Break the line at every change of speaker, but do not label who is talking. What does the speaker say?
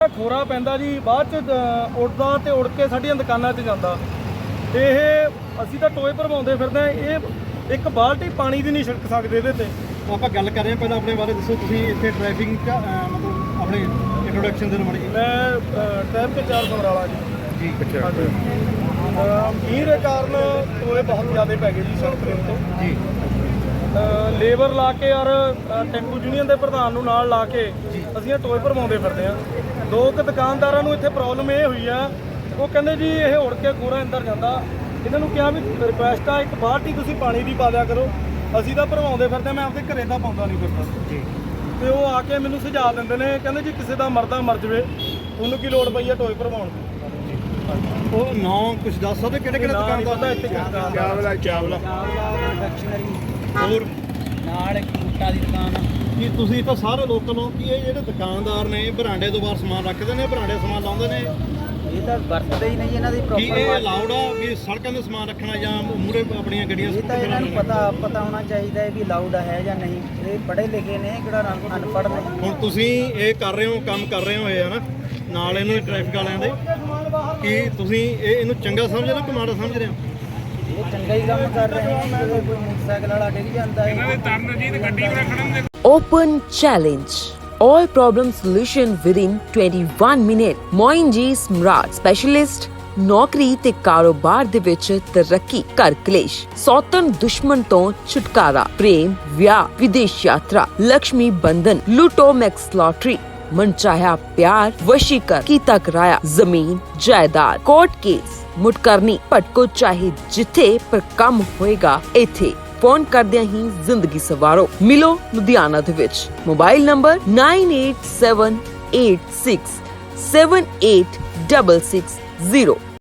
ਖੋਰਾ ਪੈਂਦਾ ਜੀ, ਬਾਅਦ ਚ ਉੱਡਦਾ ਤੇ ਉੜ ਕੇ ਸਾਡੀਆਂ ਦੁਕਾਨਾਂ 'ਚ ਜਾਂਦਾ। ਇਹ ਅਸੀਂ ਤਾਂ ਟੋਏ ਭਰਵਾਉਂਦੇ ਫਿਰਦੇ ਹਾਂ, ਇਹ ਇੱਕ ਬਾਲਟੀ ਪਾਣੀ ਦੀ ਨਹੀਂ ਛਿੜਕ ਸਕਦੇ ਇਹਦੇ ਤੇ।
ਆਪਾਂ ਗੱਲ ਕਰ ਰਹੇ ਹਾਂ, ਪਹਿਲਾਂ ਆਪਣੇ ਬਾਰੇ ਦੱਸੋ। ਤੁਸੀਂ ਇੱਥੇ ਟ੍ਰੈਫਿਕ ਮਤਲਬ ਆਪਣੇ ਇੰਟਰੋਡਕਸ਼ਨ ਦੇ ਨਾਲ
ਮੈਂ ਟਾਈਮ ਤੇ 4 ਸਮਰਾਲਾ ਜੀ।
ਅੱਛਾ
ਮੀਂਹ ਦੇ ਕਾਰਨ ਟੋਏ ਬਹੁਤ ਜ਼ਿਆਦਾ ਪੈ ਗਏ ਜੀ ਸੜਕ ਦੇ ਉੱਤੇ
ਜੀ।
ਲੇਬਰ ਲਾ ਕੇ ਔਰ ਟੈਂਪੂ ਯੂਨੀਅਨ ਦੇ ਪ੍ਰਧਾਨ ਨੂੰ ਨਾਲ ਲਾ ਕੇ ਅਸੀਂ ਇਹ ਟੋਏ ਭਰਵਾਉਂਦੇ ਫਿਰਦੇ ਹਾਂ। 2 ਦੁਕਾਨਦਾਰਾਂ ਨੂੰ ਇੱਥੇ ਪ੍ਰੋਬਲਮ ਇਹ ਹੋਈ ਆ, ਉਹ ਕਹਿੰਦੇ ਜੀ ਇਹ ਉੜ ਕੇ ਖੋਰਾ ਅੰਦਰ ਜਾਂਦਾ। ਇਹਨਾਂ ਨੂੰ ਕਿਹਾ ਵੀ ਰਿਕੁਐਸਟ ਆ, ਇੱਕ ਬਾਲਟੀ ਤੁਸੀਂ ਪਾਣੀ ਦੀ ਪਾ ਦਿਆ ਕਰੋ। ਅਸੀਂ ਤਾਂ ਭਰਵਾਉਂਦੇ ਫਿਰਦੇ, ਮੈਂ ਆਪਦੇ ਘਰੇ ਤਾਂ ਪਾਉਂਦਾ ਨਹੀਂ ਫਿਰਦਾ ਜੀ। ਤੇ ਉਹ ਆ ਕੇ ਮੈਨੂੰ ਸੁਝਾਅ ਦਿੰਦੇ ਨੇ, ਕਹਿੰਦੇ ਜੀ ਕਿਸੇ ਦਾ ਮਰਦਾ ਮਰ ਜਵੇ, ਤੁਹਾਨੂੰ ਕੀ ਲੋੜ ਪਈ ਆ ਟੋਏ ਭਰਵਾਉਣ ਦੀ।
ਉਹ ਨਾਂ ਕੁਝ ਦੱਸ ਸਕਦੇ ਕਿਹੜੇ ਦੁਕਾਨਦਾਰ
ਦਾ ਇੱਥੇ
ਚਾਵਲਾ
ਹੋਰ ਨਾਲ ਇੱਕ ਬੂਟਾ ਦੀ ਦੁਕਾਨ ਆ।
ਕੀ ਤੁਸੀਂ ਤਾਂ ਸਾਰੇ ਲੋਕਲ ਹੋ ਕਿ ਇਹ ਜਿਹੜੇ ਦੁਕਾਨਦਾਰ ਨੇ ਬਰਾਂਡੇ ਤੋਂ ਬਾਹਰ ਸਮਾਨ ਰੱਖਦੇ ਨੇ, ਬਰਾਂਡੇ ਸਮਾਨ ਲਾਉਂਦੇ ਨੇ,
ਇਹ ਤਾਂ ਵਰਤਦੇ ਹੀ ਨਹੀਂ ਇਹਨਾਂ ਦੀ
ਕੀ
ਪ੍ਰੋਪਰ।
ਇਹ ਅਲਾਉਡ ਆ ਵੀ ਸੜਕਾਂ 'ਤੇ ਸਮਾਨ ਰੱਖਣਾ ਜਾਂ ਮੂਹਰੇ ਆਪਣੀਆਂ ਗੱਡੀਆਂ?
ਇਹ ਤਾਂ ਇਹਨਾਂ ਨੂੰ ਪਤਾ ਹੋਣਾ ਚਾਹੀਦਾ ਹੈ ਵੀ ਲਾਊਡ ਹੈ ਜਾਂ ਨਹੀਂ। ਇਹ ਪੜ੍ਹੇ ਲਿਖੇ ਨੇ, ਕਿਹੜਾ ਅਨਪੜ੍ਹ ਨੇ।
ਹੁਣ ਤੁਸੀਂ ਇਹ ਕਰ ਰਹੇ ਹੋ, ਕੰਮ ਕਰ ਰਹੇ ਹੋ ਇਹ ਹਨਾ ਨਾਲ ਇਹਨੂੰ ਟ੍ਰੈਫਿਕ ਵਾਲਿਆਂ ਦੇ, ਕੀ ਤੁਸੀਂ ਇਹਨੂੰ ਚੰਗਾ ਸਮਝ ਰਹੇ ਹੋ ਕਿ ਮਾੜਾ ਸਮਝ ਰਹੇ ਹੋ?
ਇਹ ਚੰਗਾ ਹੀ ਕੰਮ ਕਰ ਰਹੇ ਨੇ। ਜਦੋਂ ਕੋਈ ਮੋਟਰਸਾਈਕਲ ਵਾਲਾ ਡਿੱਗ ਜਾਂਦਾ ਹੈ,
Open challenge. All problem solution within 21 minutes. Moinji Smart Specialist ਨੌਕਰੀ ਤੇ ਕਾਰੋਬਾਰ ਦੇ ਵਿੱਚ ਤਰੱਕੀ, ਘਰ ਕਲੇਸ਼, ਸੌਤਨ ਦੁਸ਼ਮਣ ਤੋਂ ਛੁਟਕਾਰਾ, ਪ੍ਰੇਮ, ਵਿਆਹ, ਵਿਦੇਸ਼ ਯਾਤਰਾ, ਲక్ష్ਮੀ ਬੰਧਨ, ਲੂਟੋ ਮੈਕਸ ਲਾਟਰੀ, ਮਨਚਾਹਿਆ ਪਿਆਰ, ਵਸ਼ੀਕਰ ਕੀਤਾ ਕਰਾਇਆ, ਜ਼ਮੀਨ ਜਾਇਦਾਦ, ਕੋਰਟ ਕੇਸ, ਮੁਟਕਰਨੀ, ਭਟਕੋ ਚਾਹੇ ਜਿੱਥੇ, ਪਰ ਕੰਮ ਹੋਏਗਾ ਇੱਥੇ। ਫੋਨ ਕਰਦਿਆਂ ਹੀ ਜ਼ਿੰਦਗੀ ਸਵਾਰੋ। ਮਿਲੋ ਲੁਧਿਆਣਾ ਦੇ ਵਿੱਚ। Mobile number 9878678660